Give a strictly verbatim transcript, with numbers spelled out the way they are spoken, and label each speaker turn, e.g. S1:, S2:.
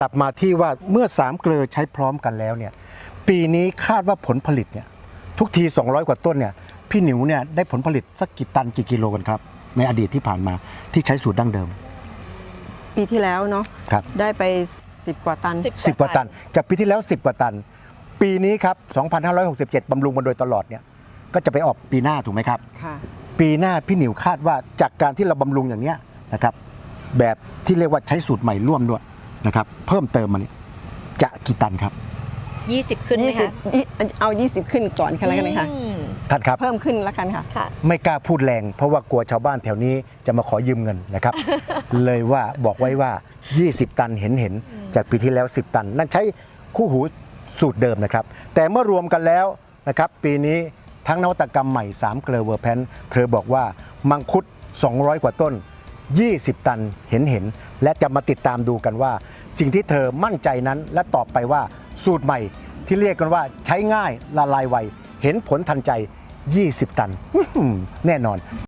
S1: กลับมาที่ว่าเมื่อสามเกลือใช้พร้อมกันแล้วเนี่ยปีนี้คาดว่าผลผลิตเนี่ยทุกทีสองร้อยกว่าต้นเนี่ยพี่หนิวเนี่ยได้ผลผลิตสักกี่ตันกี่กิโลกันครับในอดีตที่ผ่านมาที่ใช้สูตรดั้งเดิม
S2: ปีที่แล้วเนาะ
S1: ครับ
S2: ได้ไปสิบกว่าตัน
S3: สิบ
S1: สิบกว่าตันจากปีที่แล้วสิบกว่าตัน ปีนี้ครับสองพันห้าร้อยหกสิบเจ็ดบำรุงมาโดยตลอดเนี่ยก็จะไปออกปีหน้าถูกไหมครับ
S2: ค่ะ
S1: ปีหน้าพี่หนิวคาดว่าจากการที่เราบำรุงอย่างเนี้ยนะครับแบบที่เรียกว่าใช้สูตรใหม่ร่วมด้วยนะครับเพิ่มเติมมาเนี่ยจะกี่ตันครับ
S3: ยี่สิบขึ้นไหม
S2: ยี่สิบ
S3: คะ
S2: ยี่เอา ยี่สิบ ขึ้นก่อนกันแล้วกันนะคะ
S3: อืม
S1: ท่านครับ
S2: เพิ่มขึ้นแล้วกันค่ะ
S3: ค่ะ
S1: ไม่กล้าพูดแรงเพราะว่ากลัวชาวบ้านแถวนี้จะมาขอยืมเงินนะครับ เลยว่าบอกไว้ว่า ยี่สิบ ตันเห็นเห็นจากปีที่แล้ว สิบ ตัน นั่นใช้คู่หูสูตรเดิมนะครับ แต่เมื่อรวมกันแล้วนะครับปีนี้ทั้งนวัตกรรมใหม่สามเกลอเวอร์แพนเธอบอกว่ามังคุดสองร้อยกว่าต้น ยี่สิบ ตันเห็นเห็นและจะมาติดตามดูกันว่า สิ่งที่เธอมั่นใจนั้นและตอบไปว่าสูตรใหม่ที่เรียกกันว่าใช้ง่ายละลายไวเห็นผลทันใจ ยี่สิบ ตัน แน่นอน